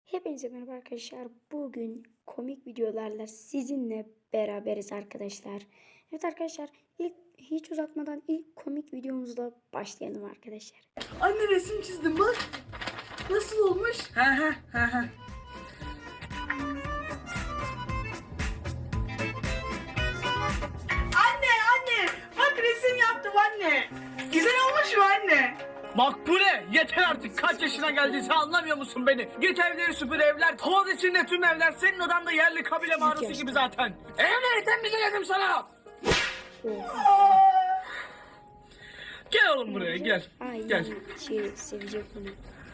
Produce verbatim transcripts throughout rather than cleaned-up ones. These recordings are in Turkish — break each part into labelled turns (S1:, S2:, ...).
S1: Hepinize merhaba arkadaşlar. Bugün komik videolarla sizinle beraberiz arkadaşlar. Evet arkadaşlar, ilk hiç uzatmadan ilk komik videomuzla başlayalım arkadaşlar.
S2: Anne resim çizdim bak. Nasıl olmuş? He he he he. Anne anne bak resim yaptım anne. Güzel olmuş mu anne?
S3: Makbule yeter artık, kaç yaşına geldiyse anlamıyor musun beni? Git evleri süpür, evler toz içinde, tüm evler senin odanda yerli kabile mağarası gibi zaten. Evleri temizledim sana. Gel oğlum buraya gel.
S1: Ay,
S3: Gel.
S1: şey sevecek bunu.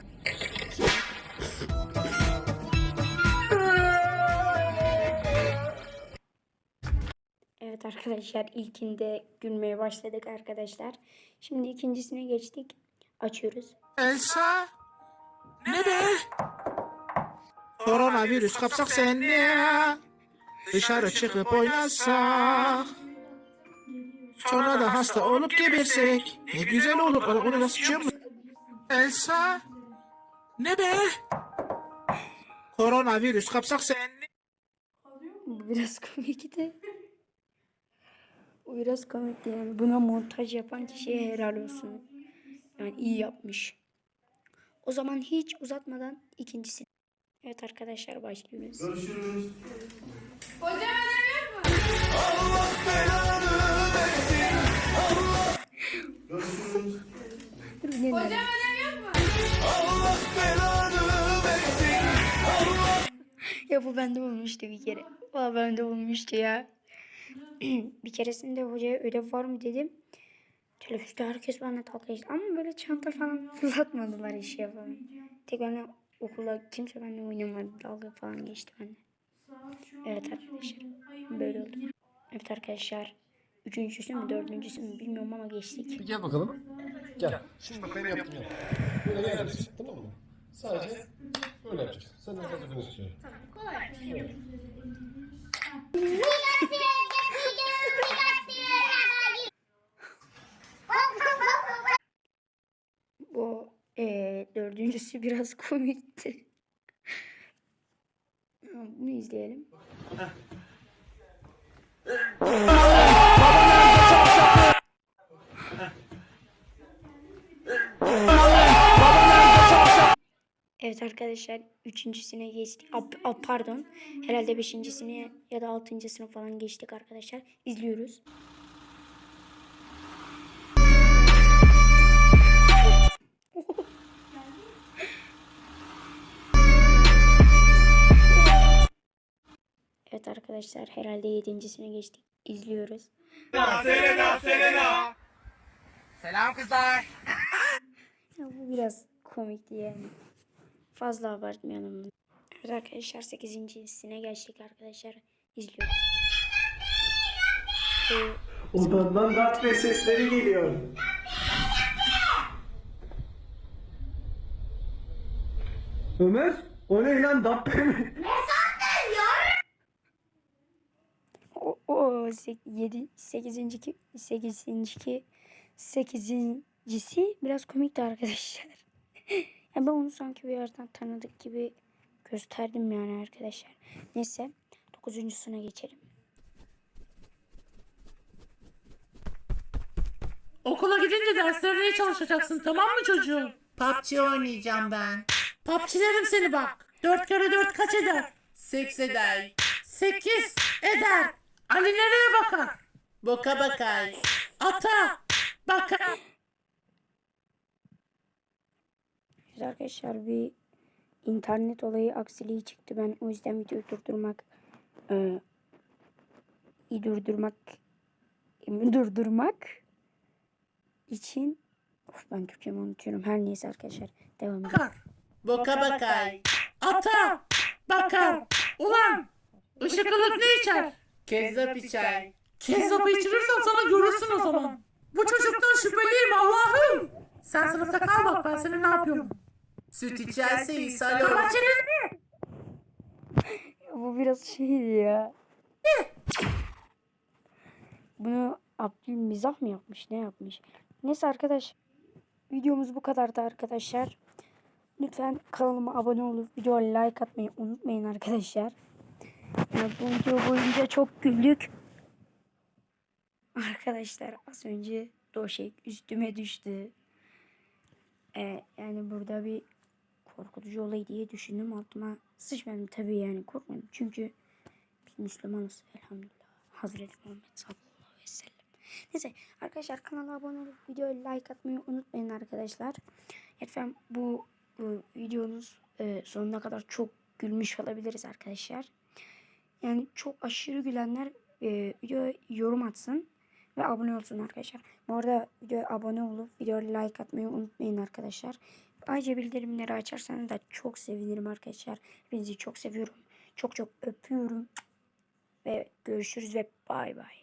S1: Evet arkadaşlar, ilkinde gülmeye başladık arkadaşlar. Şimdi ikincisine geçtik. Açıyoruz.
S4: Elsa, ne be? Koronavirüs kapsak seni. Dışarı çıkıp oynasak. Sonra da hasta olup gebersek. Ne güzel olur. Onu nasıl çıkıyor? Elsa, ne be? Koronavirüs kapsak seni.
S1: Bu biraz komikti. Bu biraz komikti yani. Buna montaj yapan kişiye helal olsun. Yani iyi yapmış. O zaman hiç uzatmadan ikincisi. Evet arkadaşlar, başlıyoruz.
S5: Görüşürüz.
S6: Hocam ödev yok mu?
S5: Allah belanı versin. Allah. Görüşürüz.
S1: Dur, ne
S6: Hocam
S1: demek?
S6: ödev yok mu?
S5: Allah belanı versin. Allah.
S1: Ya bu bende olmuştu bir kere. Valla bende olmuştu ya. Bir keresinde hocaya ödev var mı dedim. Teneffüste herkes bana dalga geçti. Ama böyle çanta falan fırlatmadılar işe falan. Tek benimle okula kimse benimle oynamadı. Dalga falan geçti bende. Evet arkadaşlar. Böyle oldu. Evet arkadaşlar. Üçüncüsü mü dördüncüsü mü bilmiyorum ama geçtik.
S7: Gel bakalım. Gel. Şimdi bak ben yaptım yap. Böyle geleceksin, tamam mı? Sadece böyle yapacaksın. Sen de sadece bunu istiyorum.
S1: Bu ee, dördüncüsü biraz komikti. Bunu izleyelim. Evet arkadaşlar, üçüncüsüne geçtik. A, a, pardon. Herhalde beşincisine ya da altıncısına falan geçtik arkadaşlar. İzliyoruz. Evet arkadaşlar, herhalde yedincisine geçtik. İzliyoruz.
S5: Selena, Selena.
S4: Selam kızlar.
S1: Ya bu biraz komikti yani. Fazla abartmayalım. Evet arkadaşlar, sekizincisine geçtik arkadaşlar. İzliyoruz. Ee,
S8: Odandan darbe sesleri geliyor. Ömer, o ne lan dabbe mi?
S1: o o yedi sekizinci sekizinci sekizincisi biraz komikti arkadaşlar. Yani ben onu sanki bir yerden tanıdık gibi gösterdim yani arkadaşlar. Neyse, dokuzuncusuna geçelim.
S9: Okula gidince derslerine çalışacaksın, tamam mı çocuğum?
S4: P U B G oynayacağım ben.
S9: Papçilerim seni bak. Dört kere dört kaç eder?
S4: Seks eder.
S9: Sekiz eder. Ali nereye bakar?
S4: Boka bakar.
S9: Ata bakar.
S1: Evet arkadaşlar, bir internet olayı aksiliği çıktı. Ben o yüzden videoyu durdurmak e, durdurmak durdurmak için of, ben Türkçemi unutuyorum. Her neyse arkadaşlar, devam edelim.
S9: Bakar.
S4: Boka bakar.
S9: Ata bakar. Ulan ışık ılık ne içer?
S4: Kezzap içer.
S9: Kezzapı içirirsen sana görürsün o zaman. Bu çocuktan şüpheliyim Allah'ım. Sen sınıfta kal bak, ben senin ne yapıyorum.
S4: Süt içerse ishal olur.
S9: Kapat çeneni.
S1: Ya bu biraz şeydi ya. Bunu Abdül mizah mı yapmış, ne yapmış? Neyse arkadaş, videomuz bu kadardı arkadaşlar. Lütfen kanalıma abone olup videoya like atmayı unutmayın arkadaşlar. Yani bu video boyunca çok güldük. Arkadaşlar az önce döşek üstüme düştü. Ee, yani burada bir korkutucu olay diye düşündüm. Altıma sıçmadım tabii, yani korkmadım. Çünkü biz Müslümanız elhamdülillah. Hazreti Muhammed sallallahu aleyhi ve sellem. Neyse arkadaşlar, kanala abone olup videoya like atmayı unutmayın arkadaşlar. Lütfen bu e, videonuz e, sonuna kadar çok gülmüş olabiliriz arkadaşlar. Yani çok aşırı gülenler e, videoya yorum atsın ve abone olsun arkadaşlar. Bu arada videoya abone olup videoya like atmayı unutmayın arkadaşlar. Ayrıca bildirimleri açarsanız da çok sevinirim arkadaşlar. Hepinizi çok seviyorum. Çok çok öpüyorum. Ve görüşürüz ve bay bay.